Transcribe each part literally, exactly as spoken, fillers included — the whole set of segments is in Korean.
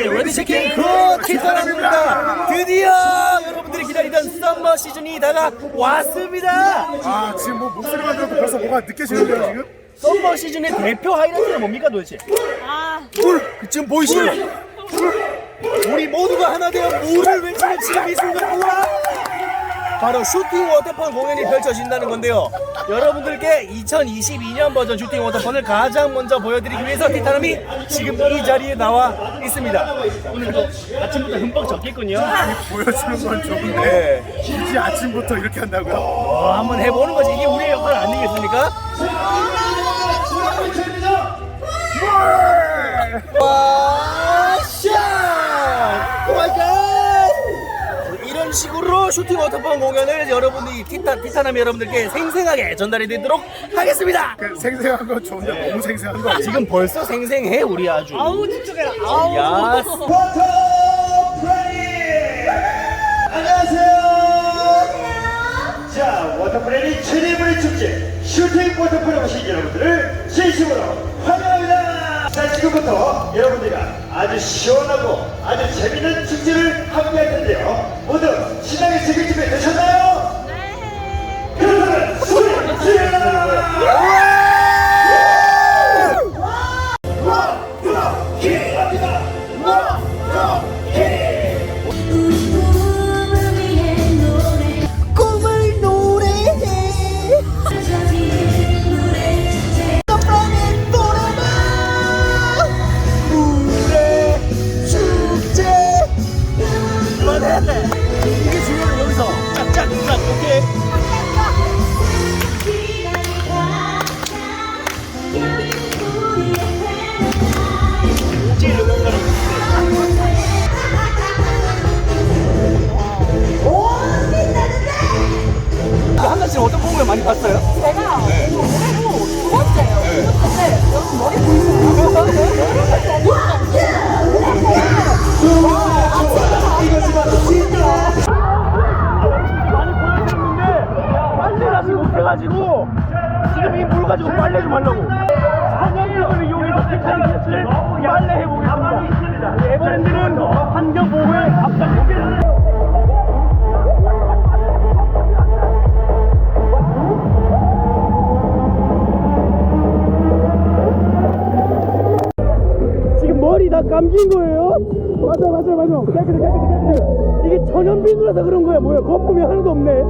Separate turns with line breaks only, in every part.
네, 레드치킨 굿 티타남입니다. 드디어 여러분들이 기다리던 썸머 시즌이 다가왔습니다.
아 지금 뭐 목소리만 들어도 벌써 뭐가 느껴지는데요 지금?
썸머 시즌의 대표 하이라이트는 뭡니까 도대체?
아,
물! 지금 보이시죠? 우리 모두가 하나 되어 물을 외치는 지금 이 순간 우와! 바로 슈팅 워터펀 공연이 펼쳐진다는 건데요. 여러분들께 이천이십이 년 버전 슈팅 워터펀을 가장 먼저 보여드리기 위해서 티타남이 지금 이 자리에 나와 있습니다. 오늘도 아침부터 흠뻑 젖겠군요.
보여주는 건 좋은데
네.
굳이 아침부터 이렇게 한다고요?
어, 한번 해보는 거지. 이게 우리의 역할 아니겠습니까? 와, 샷! 오 마이 갓! 이런 식으로 슈팅 워터펀 공연을 여러분들이 티타, 티타남 여러분들께 생생하게 전달해 드리도록 하겠습니다.
그 생생한 건 좋은데 너무 생생한 거 아니에요?
지금 벌써 생생해 우리 아주.
아우 집중해라. 아우.
야.
안녕하세요. 자, 워터프레이 최대물의 축제 슈팅 워터풀에 오신 여러분들을 진심으로 환영합니다. 자, 지금부터 여러분들과 아주 시원하고 아주 재밌는 축제를 함께할 텐데요. 모두 신나게 즐길 준비 되셨나요? 네. 그러면 소리 질러!
이게 중요한 여기서 짝짝짝 오케이. 한 가지 어떤 공연 많이 봤어요?
제가 올해로 두 번째예요. 근데 여러분 머리 보이세요?
많이 보여드렸는데 빨래를 아직 못해가지고 지금 이 물 가지고 빨래 좀 하려고 환경을 이용해서 티타닉을 빨래 해보겠습니다. 에버랜드는 환경보호에 앞장서겠습니다. 지금 머리 다 감긴 거예요? 맞아 맞아 맞아 깨끗해 깨끗해 깨끗해. 이게 천연비누라서 그런 거야. 뭐야 거품이 하나도 없네.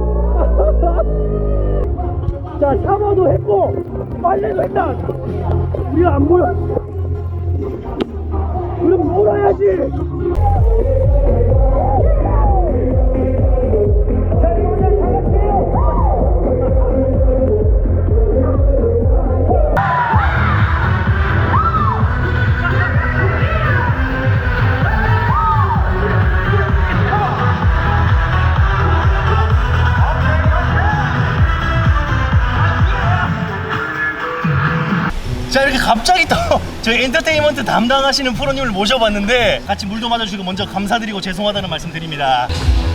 자 샤워도 했고 빨래도 했다. 우리가 안 보여. 그럼 놀아야지. 자 이렇게 갑자기 또 저희 엔터테인먼트 담당하시는 프로님을 모셔봤는데 같이 물도 맞아주시고 먼저 감사드리고 죄송하다는 말씀 드립니다.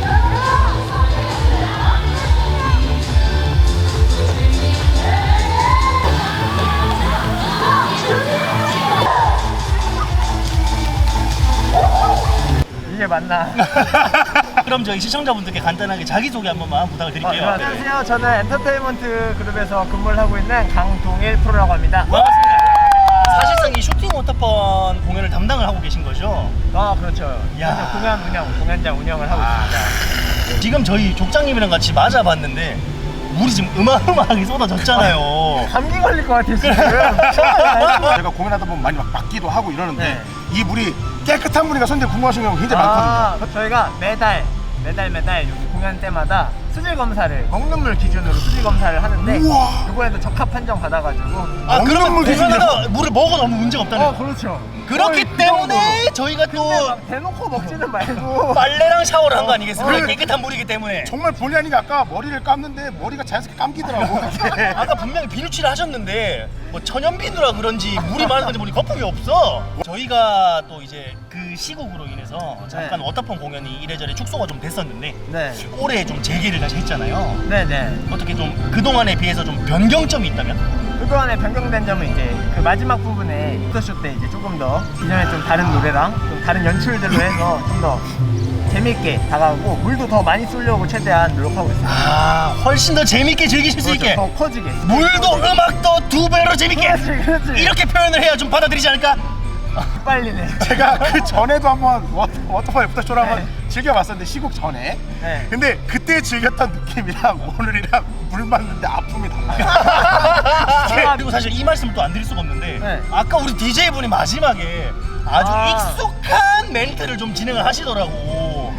이게 맞나?
그럼 저희 시청자분들께 간단하게 자기소개 한 번만 부탁을 드릴게요.
어, 안녕하세요. 저는 엔터테인먼트 그룹에서 근무를 하고 있는 강동일 프로라고 합니다.
반갑습니다. 사실상 이 슈팅 워터펀 공연을 담당을 하고 계신 거죠?
아 그렇죠.
야.
저는 공연 운영, 공연장 운영을 하고 있습니다.
지금 저희 족장님이랑 같이 맞아봤는데 물이 지금 어마어마하게 쏟아졌잖아요.
감기 걸릴 것 같아요 지금.
제가 공연하다 보면 많이 막 맞기도 하고 이러는데
네.
이 물이 깨끗한 물이가 선생님 궁금하신 경우 굉장히 많거든요.
아, 저희가 매달 매달 매달 공연 때마다 수질 검사를 먹는 물 기준으로 수질 검사를 하는데
우와.
그거에도 적합 판정 받아가지고.
아 그러면
물
공연하다 물을 먹어도 아무 문제가 없다는
어
거예요?
그렇죠.
그렇기
거의 그
때문에
정도로.
저희가 또
근데 막 대놓고 먹지는 말고.
빨래랑 샤워를 한 거
어,
아니겠습니까?
그-
깨끗한 물이기 때문에.
정말 본의 아니게 아까 머리를 감는데 머리가 자연스럽게 감기더라고.
아까 분명히 비누칠을 하셨는데 뭐 천연비누라 그런지 물이 많은 건지 모르니 거품이 없어. 저희가 또 이제 그 시국으로 인해서 잠깐
네.
워터펀 공연이 이래저래 축소가 좀 됐었는데
네.
올해 좀 재개를 다시 했잖아요.
네네.
어떻게 좀 그동안에 비해서 좀 변경점이 있다면?
그동안에 변경된 점은 이제 그 마지막 부분에 포토쇼 때 이제 조금 더 기존에 좀 다른 노래랑 좀 다른 연출들로 해서 좀 더 재밌게 다가가고 물도 더 많이 쏘려고 최대한 노력하고 있습니다.
아, 훨씬 더 재밌게 즐기실 수 있게.
더 커지게.
물도 음악도 두 배로 재밌게.
그렇지, 그렇지.
이렇게 표현을 해야 좀 받아들이지 않을까?
빨리네.
제가 그 전에도 한번 워- 워터파이 포토쇼를 한번
네.
즐겨봤었는데 시국 전에.
네.
근데 그때 즐겼던 느낌이랑 오늘이랑 물 맞는데 아픔이 달라요.
그리고 사실 이 말씀을 또 안 드릴 수가 없는데
네.
아까 우리 디제이분이 마지막에 아주
아.
익숙한 멘트를 좀 진행을 하시더라고.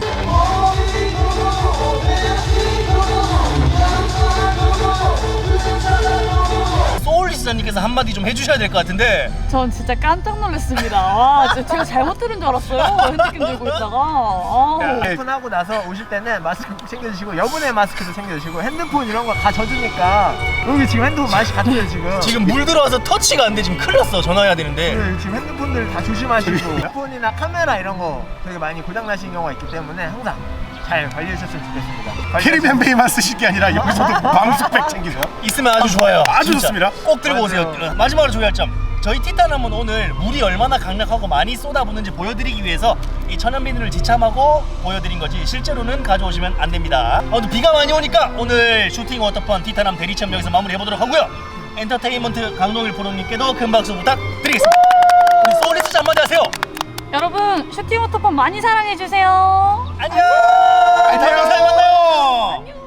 소울리스자님께서 한마디 좀 해주셔야 될 것 같은데.
전 진짜 깜짝 놀랐습니다. 와, 진짜 제가 잘못 들은 줄 알았어요. 핸드폰 들고 있다가. 아우.
네.
오픈하고 나서 오실 때는 마스크 꼭 챙겨주시고 여분의 마스크도 챙겨주시고 핸드폰 이런 거 다 젖으니까 여기 지금 핸드폰 맛이 같아요 지금.
지금 물 들어와서 터치가 안 돼. 지금 큰일 났어. 전화해야 되는데.
네, 지금 핸드폰들 다 조심하시고 핸드폰이나 카메라 이런 거 되게 많이 고장 나신 경우가 있기 때문에 항상 잘 관리해 주셨으면 좋겠습니다.
캐리비안 베이만 쓰실 게 아니라 여기서도 방수백 챙기세요.
있으면 아주 좋아요.
아주
진짜.
좋습니다.
꼭 들고
맞아요.
오세요. 마지막으로 조회할 점. 저희 티타남은 오늘 물이 얼마나 강력하고 많이 쏟아붓는지 보여드리기 위해서 이 천연 비닐을 지참하고 보여드린 거지 실제로는 가져오시면 안 됩니다. 아무튼 비가 많이 오니까 오늘 슈팅 워터펀 티타남 대리체험 여기서 마무리해보도록 하고요. 엔터테인먼트 강동일 프로님께도 큰 박수 부탁드리겠습니다. 우리 소울리스트 한마디 하세요.
여러분, 슈팅 워터펀 많이 사랑해주세요.
안녕. 다음 영상에 만나요.
안녕.